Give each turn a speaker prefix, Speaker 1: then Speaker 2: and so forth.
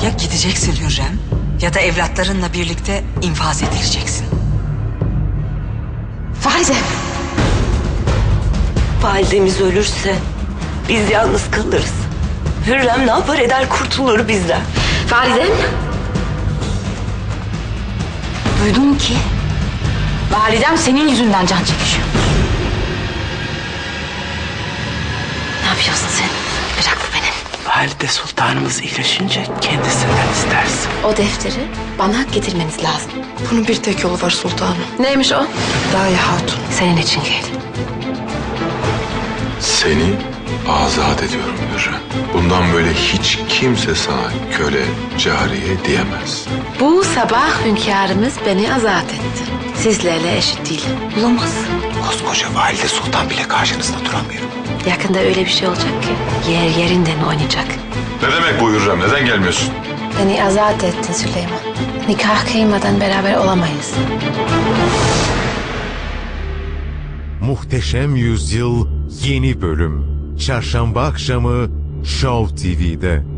Speaker 1: Ya gideceksin Hürrem ya da evlatlarınla birlikte infaz edileceksin.
Speaker 2: Valide.
Speaker 3: Validemiz ölürse biz yalnız kalırız. Hürrem ne yapar eder kurtulur bizden.
Speaker 2: Validem. Duydum ki validem senin yüzünden can çekişiyor. Ne yapıyorsun sen? Bırak beni.
Speaker 4: Valide Sultanımız iyileşince kendisinden istersin.
Speaker 2: O defteri bana getirmeniz lazım.
Speaker 5: Bunun bir tek yolu var sultanım.
Speaker 2: Neymiş o?
Speaker 5: Daye Hatun.
Speaker 2: Senin için geldim.
Speaker 6: Seni azat ediyorum Hürrem. Bundan böyle hiç kimse sana köle, cariye diyemez.
Speaker 2: Bu sabah hünkârımız beni azat etti. Sizlerle eşit değil. Olamaz.
Speaker 7: Koskoca Valide Sultan bile karşınızda duramıyor.
Speaker 2: Yakında öyle bir şey olacak ki yer yerinden oynayacak.
Speaker 6: Ne demek bu Hürrem? Neden gelmiyorsun?
Speaker 2: Beni azat ettin Süleyman. Nikah kıymadan beraber olamayız.
Speaker 8: Muhteşem Yüzyıl yeni bölüm. Çarşamba akşamı Show TV'de.